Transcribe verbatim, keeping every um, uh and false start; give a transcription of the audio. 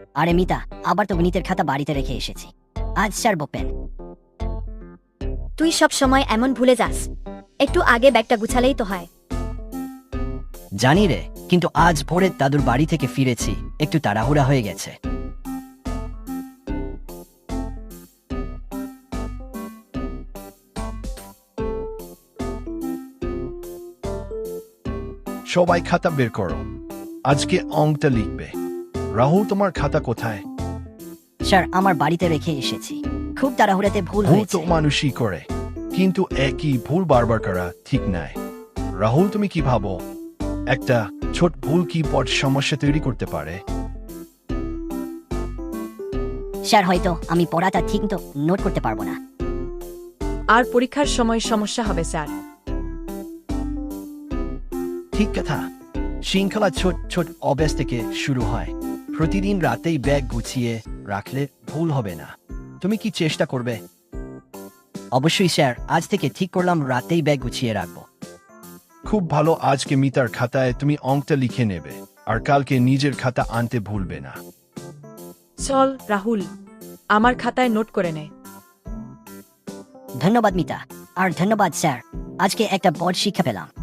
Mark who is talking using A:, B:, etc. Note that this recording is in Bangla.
A: আরে মিতা, আবার তো গণিতের খাতা বাড়িতে রেখে এসেছি। আজ স্যার বকবেন।
B: তুই সব সময় এমন ভুলে যাস। একটু আগে ব্যাগটা গুছালেই তো হয়।
A: জানি রে, কিন্তু আজ ভোরে দাদুর বাড়ি থেকে ফিরেছি, একটু তাড়াহুড়া হয়ে গেছে।
C: সবাই খাতা বের করো, আজকে অঙ্কটা লিখবে। রাহুল, তোমার খাতা কোথায়?
A: স্যার, আমার বাড়িতে রেখে এসেছি, খুব তাড়াহুড়াতে ভুল
C: ভুল
A: হয়েছে।
C: তো মানুষই করে, কিন্তু একই ভুল বারবার করা ঠিক নয়। রাহুল, তুমি কি ভাবো একটা ছোট ভুল কি বড় সমস্যা তৈরি করতে পারে?
A: স্যার, হয়তো আমি পড়াটা ঠিক তো নোট করতে পারবো না।
D: আর পরীক্ষার সময় সমস্যা হবে স্যার।
C: ঠিক কথা, শৃঙ্খলা ছোট ছোট অভ্যাস থেকে শুরু হয়। প্রতিদিন রাতেই ব্যাগ গুছিয়ে রাখলে ভুল হবে না। তুমি কি চেষ্টা করবে?
A: অবশ্যই স্যার, আজ থেকে ঠিক করলাম রাতেই ব্যাগ গুছিয়ে রাখবো।
C: খুব ভালো, আজকে মিতার খাতায় তুমি অঙ্কটা লিখে নেবে, আর কালকে নিজের খাতা আনতে ভুলবে না।
D: চল রাহুল, আমার খাতায় নোট করে নে।
A: ধন্যবাদ মিতা, আর ধন্যবাদ স্যার, আজকে একটা বড় শিক্ষা পেলাম।